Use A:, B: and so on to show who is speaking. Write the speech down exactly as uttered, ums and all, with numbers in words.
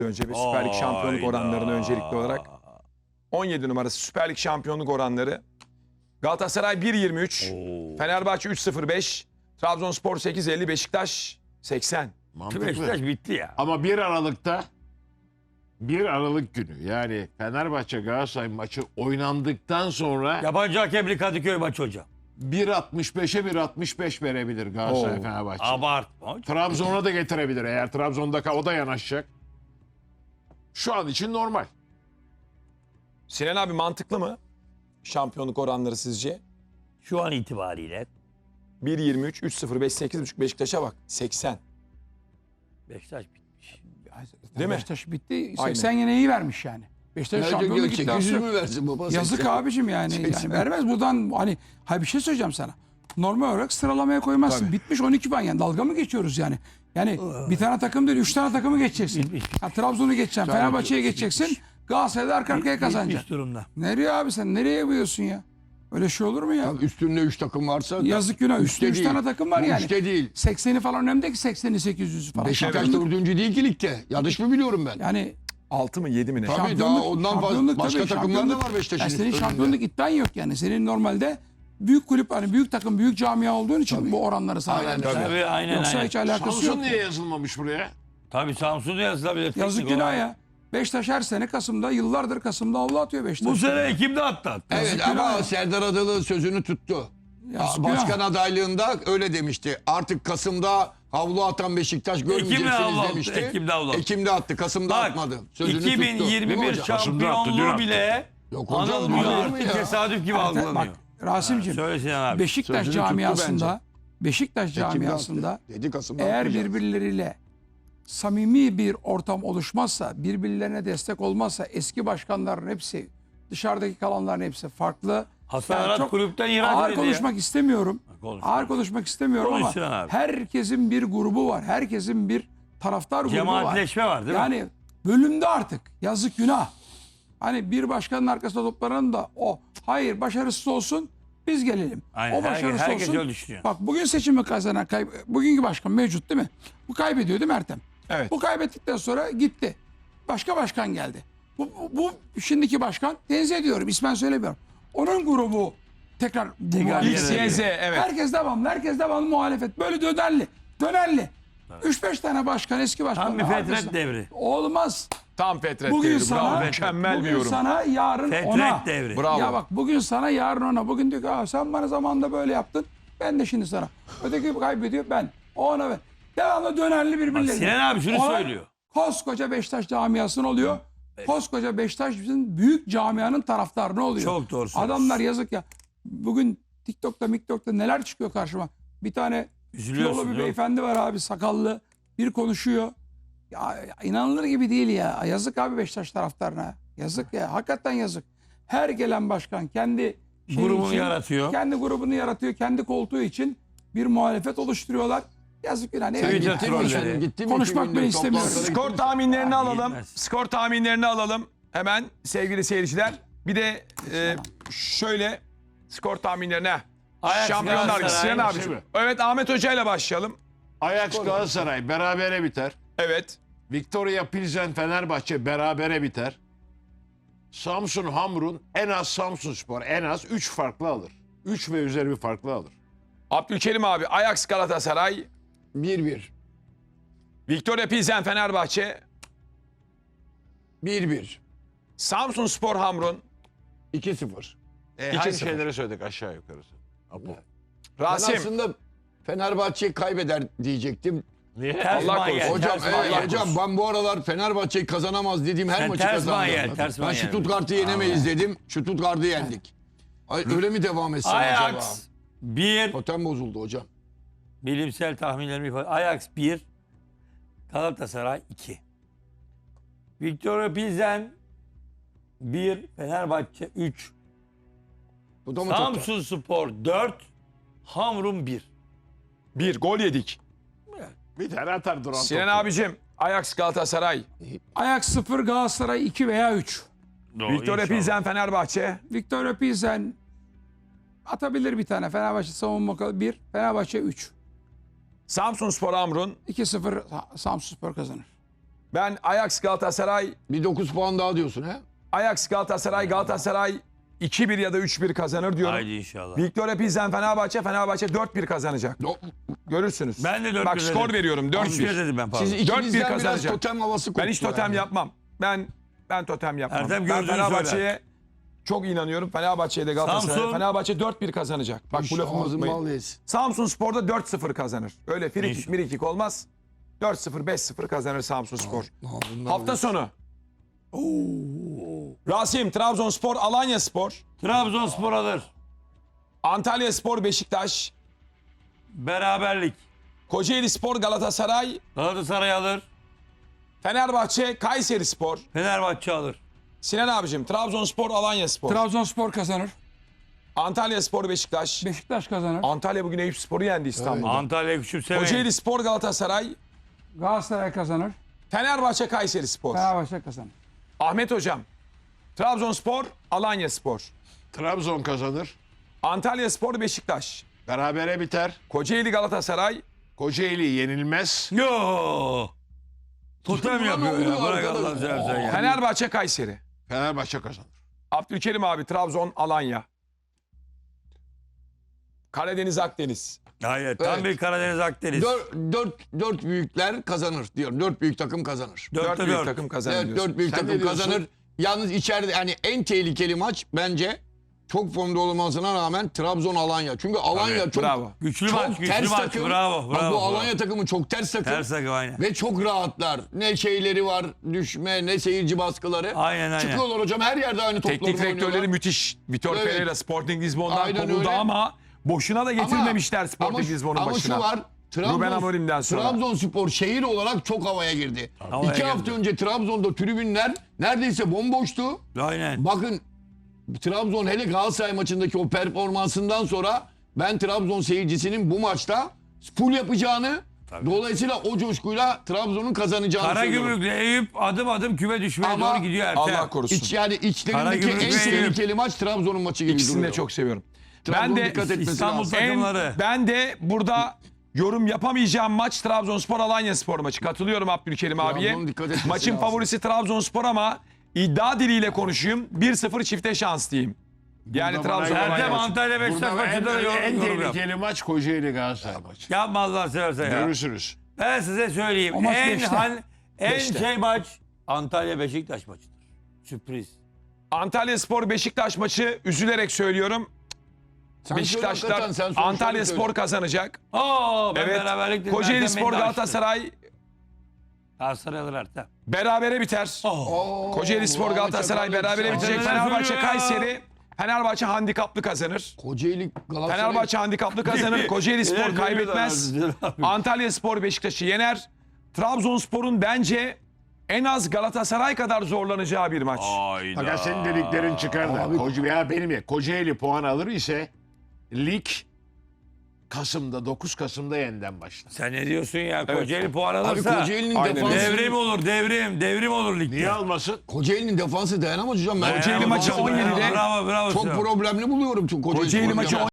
A: önce bir Süper Lig şampiyonluk oranlarını öncelikli olarak. on yedi numarası Süper Lig şampiyonluk oranları. Galatasaray bir yirmi üç, Fenerbahçe üç sıfır beş, Trabzonspor sekiz elli, Beşiktaş seksen.
B: Mantıklı.
C: Beşiktaş bitti ya.
B: Ama bir Aralık'ta bir Aralık günü yani Fenerbahçe Galatasaray maçı oynandıktan sonra
C: Yabancı hakemli Kadıköy maçı hocam.
B: bir altmış beşe bir altmış beş verebilir Galatasaray
A: Oo.
B: Fenerbahçe.
C: Abartma hocam.
B: Trabzon'a da getirebilir eğer Trabzon'da o da yanaşacak. Şu an için normal.
A: Sinan abi mantıklı mı? Şampiyonluk oranları sizce?
C: Şu an itibariyle
A: bir yirmi üç, üç sıfır beş, sekiz buçuk Beşiktaş'a bak. seksen.
C: Beşiktaş bitmiş.
A: Değil mi?
D: Beşiktaş bitti.
A: Aynen.
D: seksen yine iyi vermiş yani. Beşiktaş
E: Nerede
D: şampiyonluk
E: görecek?
D: iddiası
E: yüz
D: yok.
E: mü versin baba?
D: Yazık
E: seksen.
D: abicim yani.
E: seksen.
D: yani vermez buradan hani hayır bir şey söyleyeceğim sana. Normal olarak sıralamaya koymazsın.
A: Tabii.
D: Bitmiş on iki puan yani dalga mı geçiyoruz yani? Yani bir tane takım değil üç tane takımı geçeceksin.
C: Bitmiş.
D: Ha, Trabzon'u geçeceksin, Fenerbahçe'ye geçeceksin. Galatasaray'da arka arkaya kazanacaksın.
C: Bitmiş durumda.
D: Nereye abi sen nereye yapıyorsun ya? Öyle şey olur mu ya?
E: Tabii üstünde üç takım varsa.
D: Yazık günah.
E: Üçte
D: Üstünde üç
E: değil.
D: tane takım var
E: Bu
D: yani.
E: Üçte değil.
D: sekseni falan önemli değil ki sekseni sekiz yüzü falan.
E: Beşiktaş
D: Şampiyonluk-
E: dördüncü değil ki ligde. Yanlış mı biliyorum ben?
D: Yani
A: altı mı yedi mi ne?
E: Tabii
D: şampiyonluk-
E: daha ondan fazla
D: şampiyonluk
E: başka
D: tabii,
E: takımlar da
D: şampiyonluk.
E: var Beşiktaş'ın.
D: Yani senin
E: önünde.
D: şampiyonluk iddian yok yani. Senin normalde büyük kulüp hani büyük takım büyük camia olduğun için
E: Tabii.
D: bu oranları sana
E: Aynen,
D: vermişler.
E: tabii.
C: Tabii aynen
D: Yoksa
C: aynen.
D: hiç alakası
B: Samsun
D: yok.
B: niye yazılmamış buraya?
C: Tabii Samsun'da yazılabilir.
D: Yazık
C: Teknik
D: günah
C: olarak.
D: ya. Beşiktaş her sene Kasım'da yıllardır Kasım'da avlu atıyor Beşiktaş.
C: Bu sene Ekim'de attı hatta.
E: Evet
D: Yazık
E: ama
D: günah ya.
E: Serdar Adalı sözünü tuttu.
D: Yazık
E: Başkan
D: günah.
E: adaylığında öyle demişti. Artık Kasım'da havlu atan Beşiktaş
C: Ekim'de
E: görmeyeceksiniz
C: havlu attı,
E: demişti.
C: Ekim'de havlu attı.
E: Ekim'de attı. Kasım'da
C: Bak
E: atmadı. Sözünü tuttu. Değil mi
C: iki bin yirmi bir
E: hocam?
B: Kasım'da attı, dün
C: şampiyonluğu
B: attı.
C: bile
E: Yok hocam,
C: anılmıyor
E: olur mu
C: artık
E: ya?
C: tesadüf gibi
D: Bak
C: algılanıyor.
D: Rasim'cim
C: Söyle Sinan abi.
D: Beşiktaş
E: Sözünü tuttu
D: camiasında Beşiktaş
E: Ekim'de
D: camiasında
E: attı. Dedi Kasım'da
D: eğer
E: atmayacağız.
D: birbirleriyle samimi bir ortam oluşmazsa, birbirlerine destek olmazsa eski başkanların hepsi, dışarıdaki kalanların hepsi farklı.
C: Hasan
D: Yani
C: Arat
D: çok
C: kulüpten ihraç
D: ağır
C: edildi ya.
D: konuşmak istemiyorum.
C: Konuş.
D: Ağır konuşmak istemiyorum
C: Konuş
D: ama
C: Sinan abi.
D: herkesin bir grubu var. Herkesin bir taraftar grubu var.
C: Cemaatleşme var değil mi?
D: Yani bölümde artık yazık günah. Hani bir başkanın arkasında toplanın da o hayır başarısız olsun biz gelelim.
C: Aynen,
D: o başarısız
C: herkes- herkes
D: olsun.
C: öyle düşünüyor.
D: Bak bugün seçimi kazanan kay- bugünkü başkan mevcut değil mi? Bu kaybediyor değil mi Ertem?
A: Evet.
D: Bu kaybettikten sonra gitti. Başka başkan geldi. Bu, bu, bu şimdiki başkan tenzih ediyorum ismen söylemiyorum. Onun grubu tekrar bu
C: Tekrar
D: muhalefet.
A: X,
C: yerine
A: Y, Z evet.
D: Herkes devamlı, herkes devamlı muhalefet. Böyle dönerli, dönerli. üç beş tane başkan, eski başkan.
C: Tam bir fetret devri.
D: Olmaz.
A: Tam Fetret
D: Bugün
A: devri.
D: sana,
A: Bravo. Mükemmel
D: bugün
A: bir yorum.
D: sana, yarın
C: Fetret
D: ona.
C: devri.
A: Bravo.
D: Ya bak bugün sana, yarın ona. Bugün diyor ki "Aa, sen bana zamanında böyle yaptın. Ben de şimdi sana. Öteki kaybediyor ben. O ona ver. Devamlı dönerli
C: Bak
D: birbirlerine.
C: Sinan abi şunu
D: Olay
C: söylüyor.
D: Koskoca Beşiktaş camiasının oluyor. Koskoca Beşiktaş'ın büyük camianın taraftarını oluyor.
C: Çok doğru söylüyorsun.
D: Adamlar yazık ya. Bugün TikTok'ta, MikTok'ta neler çıkıyor karşıma. Bir tane
C: Üzülüyorsun,
D: kilolu bir
C: değil mi?
D: beyefendi var abi sakallı. Bir konuşuyor. Ya, ya inanılır gibi değil ya. Yazık abi Beşiktaş taraftarına. Yazık ya. Hakikaten yazık. Her gelen başkan kendi şeyi
C: Grubunu
D: için,
C: yaratıyor.
D: Kendi grubunu yaratıyor. Kendi koltuğu için bir muhalefet oluşturuyorlar. Yazık günah. Ne
E: Sen
C: Twitter
E: gittin mi?
C: trolleri.
E: Sen gittin mi?
D: Konuşmak
E: iki gündür
D: bile istemiyorum.
E: toplantılara
A: Skor
E: gittin mi?
A: tahminlerini
C: Abi,
A: alalım.
C: yetmez.
A: Skor tahminlerini alalım. Hemen sevgili seyirciler. Bir de e, şöyle skor tahminlerine.
C: Ajax
A: Şampiyonlar Ligi.
C: Galatasaray.
A: Sinan abi.
B: Şey mi?
A: Evet Ahmet Hoca ile başlayalım.
B: Ajax Galatasaray berabere biter.
A: Evet.
B: Victoria Pilsen Fenerbahçe berabere biter. Samsun Hamrun en az Samsunspor en az üç farklı alır. üç ve üzeri bir farklı alır.
A: Abdülkerim abi. Ajax Galatasaray.
E: bir bir.
A: Victoria Pilsen Fenerbahçe.
E: bir bir.
A: Samsunspor Hamrun.
E: iki sıfır.
B: E,
A: İki
B: aynı
A: sıfır.
B: şeyleri söyledik aşağı yukarısı. Apo.
E: Ben
A: Rasim.
E: aslında Fenerbahçe kaybeder diyecektim.
B: Niye?
C: Ters
A: Allah
C: manyel,
A: korusun.
E: Hocam,
C: ters
E: evet,
C: manyel.
E: hocam ben bu aralar Fenerbahçe'yi kazanamaz dediğim her
C: Sen
E: maçı
C: ters
E: kazandım.
C: manyel, ters
E: Ben
C: manyel.
E: Stuttgart'ı yenemeyiz dedim. Stuttgart'ı yendik. Ay, öyle mi devam etsin acaba?
C: Ajax bir.
E: Totem bozuldu hocam.
C: Bilimsel tahminlerimi ifade. Ajax bir. Galatasaray iki. Victoria Pilsen bir. Fenerbahçe üç.
E: Bu da mı totem?
C: Samsunspor dört. Hamrun bir.
A: Bir gol yedik.
B: Bir tane atar duran
A: Sinan
B: topu.
A: abicim. Ajax Galatasaray.
D: Ajax sıfır, Galatasaray iki veya üç.
A: Victoria Pilsen Fenerbahçe.
D: Victoria Pilsen atabilir bir tane. Fenerbahçe savunma bir, Fenerbahçe üç.
A: Samsunspor Hamrun.
D: iki sıfır Samsunspor kazanır.
A: Ben Ajax Galatasaray,
E: Bir dokuz puan daha diyorsun he?
A: Ajax Galatasaray, Galatasaray iki bir ya da üç bir kazanır diyorum.
C: Haydi inşallah.
A: Victoria Pilsen Fenerbahçe, Fenerbahçe dört bir kazanacak.
E: Do-
A: Görürsünüz.
C: Ben de dört
A: Bak
C: bir
A: skor
C: dedim.
A: veriyorum dört
C: üç bir
A: bir.
C: dedim ben pardon.
E: Siz
A: dört bir
E: ikinizden biraz
A: kazanacak.
E: totem havası koktu.
A: Ben hiç totem
E: yani.
A: yapmam. Ben ben totem yapmam.
C: Ertem
A: ben
C: gördüğünü
A: Fenerbahçe'ye çok inanıyorum. Fenerbahçe'ye de Galatasaray'a.
C: Samsun.
A: Fenerbahçe dört bir kazanacak. Bak bu lafımı
E: Ağzın
A: unutmayın.
E: bal yesin.
A: Samsun Spor'da dört sıfır kazanır. Öyle frikik
C: İnşallah.
A: mirikik olmaz. dört sıfır beş sıfır kazanır Samsun Spor.
E: Ağzın bal
A: Hafta
E: yesin.
A: sonu. Rasim, Trabzonspor, Alanya Spor,
C: Trabzonspor alır.
A: Antalya Spor, Beşiktaş,
C: Beraberlik.
A: Kocaeli Spor, Galatasaray,
C: Galatasaray alır.
A: Fenerbahçe, Kayseri Spor.
C: Fenerbahçe alır.
A: Sinan abicim, Trabzonspor, Alanya Spor,
D: Trabzonspor kazanır.
A: Antalya Spor, Beşiktaş.
D: Beşiktaş kazanır.
A: Antalya bugün Eyüp Spor'u yendi İstanbul'da.
C: Antalya küçümsemeyin.
A: Kocaeli Spor, Galatasaray,
D: Galatasaray kazanır.
A: Fenerbahçe, Kayseri Spor.
D: Fenerbahçe kazanır.
A: Ahmet hocam, Trabzonspor, Alanya Spor,
B: Trabzon kazanır.
A: Antalya Spor, Beşiktaş,
B: Berabere biter.
A: Kocaeli, Galatasaray,
B: Kocaeli yenilmez.
C: Yo. Totem
E: Ulan
C: yapıyor ya.
E: oluyor
C: Bırak
E: arkadaş.
C: Allah'ını seversen ya.
A: Fenerbahçe, Kayseri.
B: Fenerbahçe kazanır.
A: Abdülkerim abi, Trabzon, Alanya. Karadeniz, Akdeniz.
C: Hayır. Tam
E: Evet.
C: bir Karadeniz Akdeniz.
E: Dört, dört, dört büyükler kazanır diyor. Dört büyük takım kazanır.
A: Dört
C: Dörtte
A: büyük
C: dört.
A: takım kazanır
E: Evet,
A: diyorsun.
E: dört büyük
B: Sen ne
E: takım
B: diyorsun?
E: kazanır. Yalnız içeride yani en tehlikeli maç bence çok formda olmasına rağmen Trabzon Alanya. Çünkü Alanya
A: Tabii,
E: çok
A: bravo.
C: Güçlü
E: çok
C: maç, güçlü
E: ters
C: maç.
E: takım.
C: Bravo,
E: Bak
C: bravo,
E: bu
C: bravo.
E: Alanya takımı çok ters takım.
C: Ters takım aynen.
E: Ve çok rahatlar. Ne şeyleri var, düşme, ne seyirci baskıları.
C: Aynen, aynen.
E: Çıkıyorlar hocam her yerde aynı topları
A: Teknik direktörleri
E: oynuyorlar.
A: müthiş. Vitor
E: Evet.
A: Pereira Sporting Lisbon'dan
E: Aynen
A: kovuldu
E: öyle.
A: ama boşuna da getirmemişler Sporting
E: ama,
A: Lisbon'un
E: ama
A: başına.
E: şu var.
A: Ruben Amorim'den sonra.
E: Trabzonspor şehir olarak çok havaya girdi.
C: Havaya
E: İki
C: girdi.
E: hafta önce Trabzon'da tribünler neredeyse bomboştu.
C: Aynen.
E: Bakın Trabzon hele Galatasaray maçındaki o performansından sonra ben Trabzon seyircisinin bu maçta full yapacağını dolayısıyla o coşkuyla Trabzon'un kazanacağını söylüyorum.
C: Karagümrük'le Eyüp adım adım küme düşmeye
E: Ama
C: doğru gidiyor Ertem.
A: Allah korusun.
E: İç, yani içlerindeki
C: Karagümrük
E: en
C: ve Eyüp.
E: tehlikeli maç Trabzon'un maçı gibi
A: İkisini
E: duruyor.
A: de çok seviyorum.
E: Trabzon'un
A: Ben de
E: dikkat etmesi
C: İstanbul
E: lazım.
A: en,
C: takımları.
A: ben de burada yorum yapamayacağım maç Trabzonspor Alanya Spor maçı. Katılıyorum Abdülkerim abiye.
E: Trabzon'un dikkat etmesi
A: Maçın
E: lazım.
A: favorisi Trabzonspor ama iddia diliyle konuşayım. bir sıfır çifte şans diyeyim. Yani
B: Burada bana
A: Trabzon Alanya
C: Ertem
A: maçı.
C: Antalya Beşiktaş
B: Burada en,
C: maçında da yorum,
B: en
C: yorum yap.
B: tehlikeli maç Kocaeli Galatasaray maçı.
C: Yapma Allah seversen ya.
B: Görürsünüz.
C: Ben size söyleyeyim.
D: O maç
C: En,
D: beşte.
C: han, en
A: Beşte.
C: şey maç Antalya Beşiktaş maçıdır. Sürpriz.
A: Antalya Spor Beşiktaş maçı üzülerek söylüyorum.
E: Sen
A: Beşiktaşlar
E: söyle hakikaten, sen sonuçları
A: Antalya
E: söyle.
A: Spor kazanacak.
C: Oo, ben
A: Evet.
C: beraberlik dedim.
A: Kocaeli
C: Ertem beni
A: Spor
C: de açtı.
A: Galatasaray
C: Galatasaray alır Ertem.
A: berabere biter.
E: Oo,
A: Kocaeli Spor
E: bu
A: Galatasaray
E: maça
A: berabere
E: kalırsa-
A: bitecek.
C: Neler
A: Fenerbahçe
C: söylüyor ya?
A: Kayseri. Fenerbahçe handikaplı kazanır.
E: Kocaeli Galatasaray.
A: Fenerbahçe handikaplı kazanır. Kocaeli Spor
C: Neler
A: kaybetmez.
C: söylüyorlar abi?
A: Antalya Spor Beşiktaş'ı yener. Trabzonspor'un bence en az Galatasaray kadar zorlanacağı bir maç.
C: Hayda.
B: Fakat senin dediklerin çıkar da.
E: Abi-
B: Koca, ya benim ya Kocaeli puan alır ise lig Kasım'da dokuz Kasım'da yeniden başlar.
C: Sen ne diyorsun ya? Kocaeli puan
E: Abi
C: alırsa
E: Kocaeli'nin
A: Aynen
E: defansı,
C: devrim olur, devrim. Devrim olur ligde.
B: Niye almasın?
E: Kocaeli'nin defansı dayanamaz hocam. Ben
A: Kocaeli
C: Bravo,
A: maçı
C: bravo,
A: on yedide
C: Bravo, bravo.
E: çok
C: Sinan.
E: problemli buluyorum çünkü Kocaeli,
A: Kocaeli
E: Spor'u.
A: maçı